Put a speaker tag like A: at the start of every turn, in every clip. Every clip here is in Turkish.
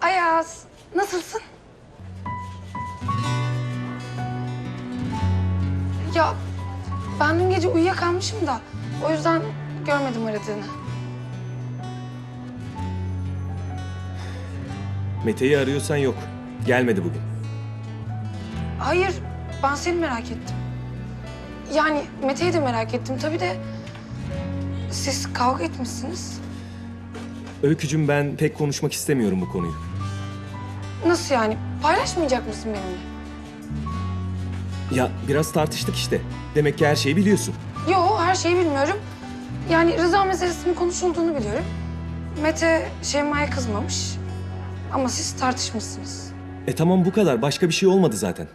A: Ayaz, nasılsın? Ya ben dün gece uyuyakalmışım da o yüzden görmedim aradığını.
B: Mete'yi arıyorsan yok. Gelmedi bugün.
A: Hayır, ben seni merak ettim. Yani Mete'yi de merak ettim tabii de siz kavga etmişsiniz.
B: Öykücüm, ben pek konuşmak istemiyorum bu konuyu.
A: Nasıl yani? Paylaşmayacak mısın benimle?
B: Ya biraz tartıştık işte. Demek ki her şeyi biliyorsun.
A: Yo, her şeyi bilmiyorum. Yani rıza meselesinin konuşulduğunu biliyorum. Mete Şeyma'ya kızmamış. Ama siz tartışmışsınız.
B: Tamam, bu kadar. Başka bir şey olmadı zaten.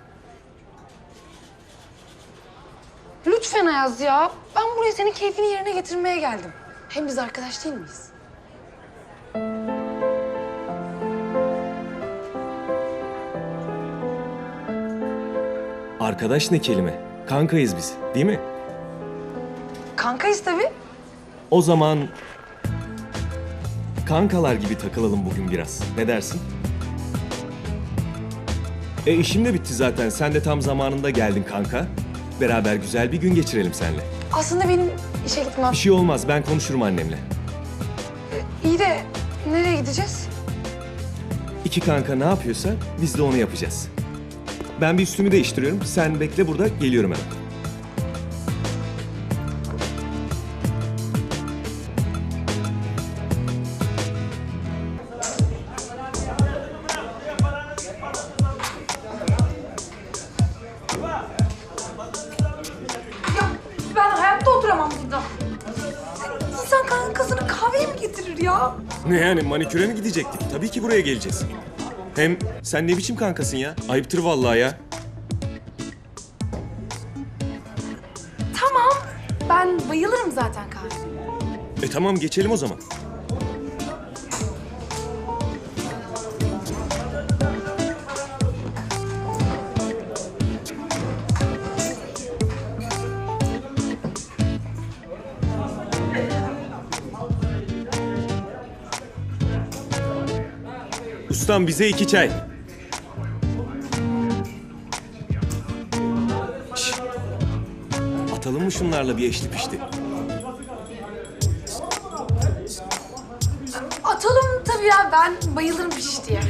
A: Lütfen Ayaz ya. Ben buraya senin keyfini yerine getirmeye geldim. Hem biz arkadaş değil miyiz?
B: Arkadaş ne kelime? Kankayız biz, değil mi?
A: Kankayız tabii.
B: O zaman kankalar gibi takılalım bugün biraz. Ne dersin? İşim de bitti zaten. Sen de tam zamanında geldin kanka. Beraber güzel bir gün geçirelim seninle.
A: Aslında benim işe gitmem.
B: Bir şey olmaz. Ben konuşurum annemle.
A: İyi de nereye gideceğiz?
B: İki kanka ne yapıyorsa biz de onu yapacağız. Ben bir üstümü değiştiriyorum. Sen bekle burada. Geliyorum hemen.
A: Ya ben hayatta oturamam burada. İnsan kankasını kahveye mi getirir ya?
B: Ne yani, maniküre mi gidecektik? Tabii ki buraya geleceğiz. Hem sen ne biçim kankasın ya? Ayıptır vallahi ya.
A: Tamam. Ben bayılırım zaten kahveye.
B: Tamam, geçelim o zaman. Ustam, bize 2 çay. Şş. Atalım mı şunlarla bir eşli pişti?
A: Atalım tabii ya. Ben bayılırım piştiye.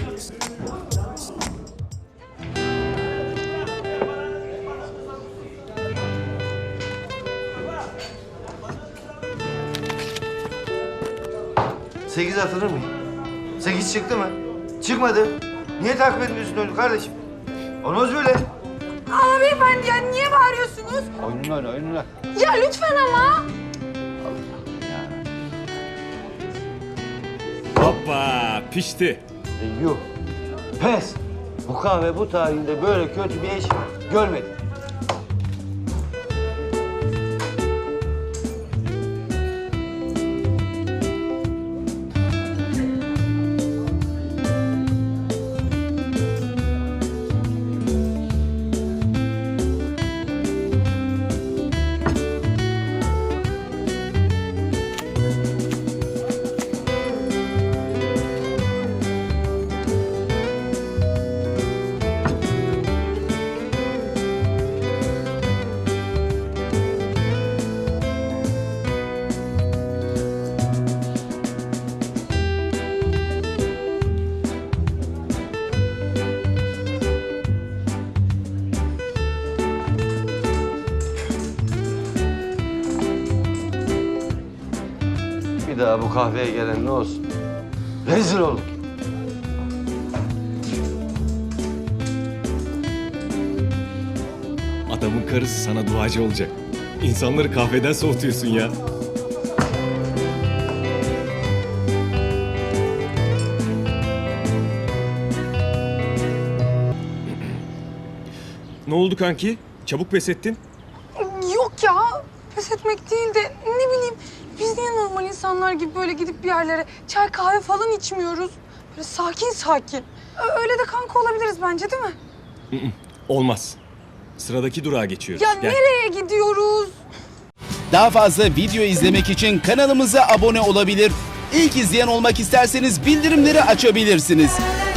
C: Sekiz atılır mı? 8 çıktı mı? Çıkmadı. Niye takip etmiyorsun onu kardeşim? Olmaz böyle.
A: Ama beyefendi ya niye bağırıyorsunuz?
C: Oyunlar.
A: Ya lütfen ama.
B: Hoppa, pişti.
C: Yuh. Pes. Bu kahve bu tarihinde böyle kötü bir eş görmedim. Bir daha bu kahveye gelen ne olsun? Rezil olur.
B: Adamın karısı sana duacı olacak. İnsanları kahveden soğutuyorsun ya. Ne oldu kanki? Çabuk pes ettin.
A: Yok ya. Pes etmek değil de ne bileyim. Biz niye normal insanlar gibi böyle gidip bir yerlere çay kahve falan içmiyoruz? Böyle sakin sakin. Öyle de kanka olabiliriz bence değil mi?
B: Olmaz. Sıradaki durağa geçiyoruz.
A: Ya
B: Gel.
A: nereye gidiyoruz?
D: Daha fazla video izlemek için kanalımıza abone olabilir. İlk izleyen olmak isterseniz bildirimleri açabilirsiniz.